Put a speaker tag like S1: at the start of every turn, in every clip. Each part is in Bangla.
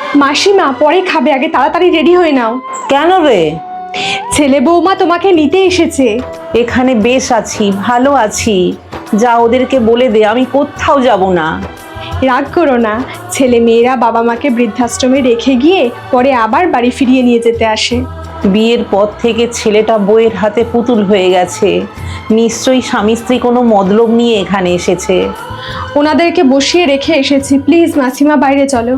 S1: মাসিমা পরে খাবে, আগে তাড়াতাড়ি রেডি হয়ে নাও।
S2: কেন রে?
S1: ছেলে বৌমা তোমাকে নিতে এসেছে।
S2: এখানে বেশ আছি, ভালো আছি। যা ওদেরকে বলে দে আমি কোথাও যাব না।
S1: রাগ করো না, ছেলে মেয়েরা বাবা মাকে বৃদ্ধাশ্রমে রেখে গিয়ে পরে আবার বাড়ি ফিরিয়ে নিয়ে যেতে আসে।
S2: বিয়ের পর থেকে ছেলেটা বউয়ের হাতে পুতুল হয়ে গেছে। নিশ্চয়ই স্বামী স্ত্রী কোনো মতলব নিয়ে এখানে এসেছে।
S1: ওনাদেরকে বসিয়ে রেখে এসেছি, প্লিজ মাসিমা বাইরে চলো।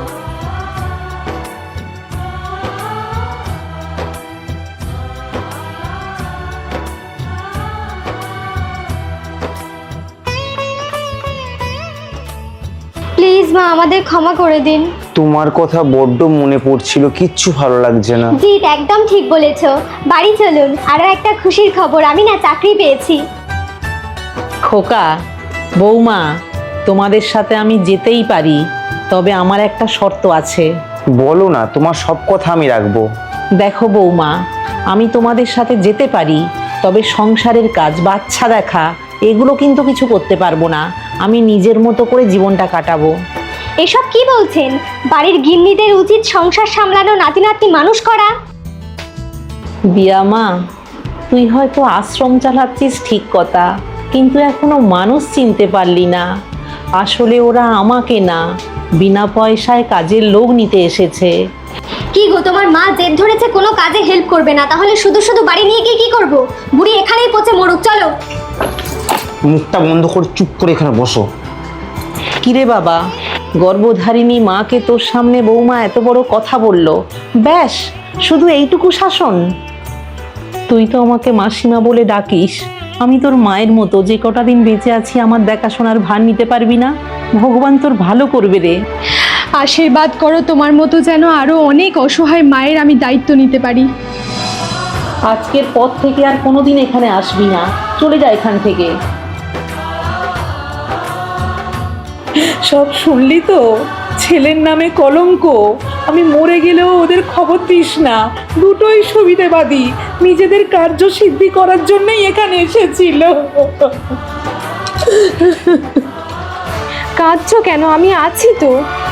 S3: প্লিজ মা, আমাদের ক্ষমা করে দিন।
S4: তোমার কথা বড্ড মনে পড়ছিল, কিচ্ছু ভালো লাগছে না।
S3: জি একদম ঠিক বলেছো। বাড়ি চলুন। আরো একটা খুশির খবর, আমি না চাকরি পেয়েছি।
S2: খোকা, বৌমা, তোমাদের সাথে আমি যেতেই পারি, তবে আমার একটা শর্ত আছে।
S4: বলো না, তোমার সব কথা আমি রাখবো।
S2: দেখো বৌমা, আমি তোমাদের সাথে যেতে পারি, তবে সংসারের কাজ, বাচ্চা দেখা, এগুলো কিন্তু কিছু করতে পারবো না। আমি নিজের মতো করে জীবনটা কাটাবো।
S3: এসব কি বলছেন? বাড়ির গিন্নিদের উচিত সংসার সামলানো, নাতি নাতনি মানুষ করা।
S2: বিয়া মা, তুই হয়তো আশ্রম চালাচ্ছিস ঠিক কথা, কিন্তু এখনো মানুষ চিনতে পারলি না। আসলে ওরা আমাকে না, বিনা পয়সায় কাজের লোক নিতে এসেছে।
S3: কি গো, তোমার মা জেদ ধরেছে কোনো কাজে হেল্প করবে না, তাহলে শুধু শুধু বাড়ি নিয়ে গিয়ে কি করবো? বুড়ি এখানেই পচে মরুক, চলো।
S4: মুখটা বন্ধ করে চুপ করে এখানে বসো।
S2: কিরে বাবা, গর্ভধারিণী মাকে তোর সামনে বৌমা এত বড় কথা বলল, ব্যাস শুধু এইটুকু শাসন? তুই তো আমাকে মাসিমা বলে ডাকিস, আমি তোর মায়ের মতো, যে কটা দিন বেঁচে আছি আমার দেখাশোনার ভার নিতে পারবি না? ভগবান তোর ভালো করবে রে।
S1: আশীর্বাদ করো তোমার মতো যেন আরো অনেক অসহায় মায়ের আমি দায়িত্ব নিতে পারি।
S2: আজকের পর থেকে আর কোনোদিন এখানে আসবি না, চলে যা এখান থেকে। সব শুনলি তো? ছেলের নামে কলঙ্ক। আমি মরে গেলেও ওদের খবর দিস না, দুটোই সুবিধেবাদী, নিজেদের কার্য সিদ্ধি করার জন্যই এখানে এসেছিল।
S1: কাঁদছো কেন? আমি আছি তো।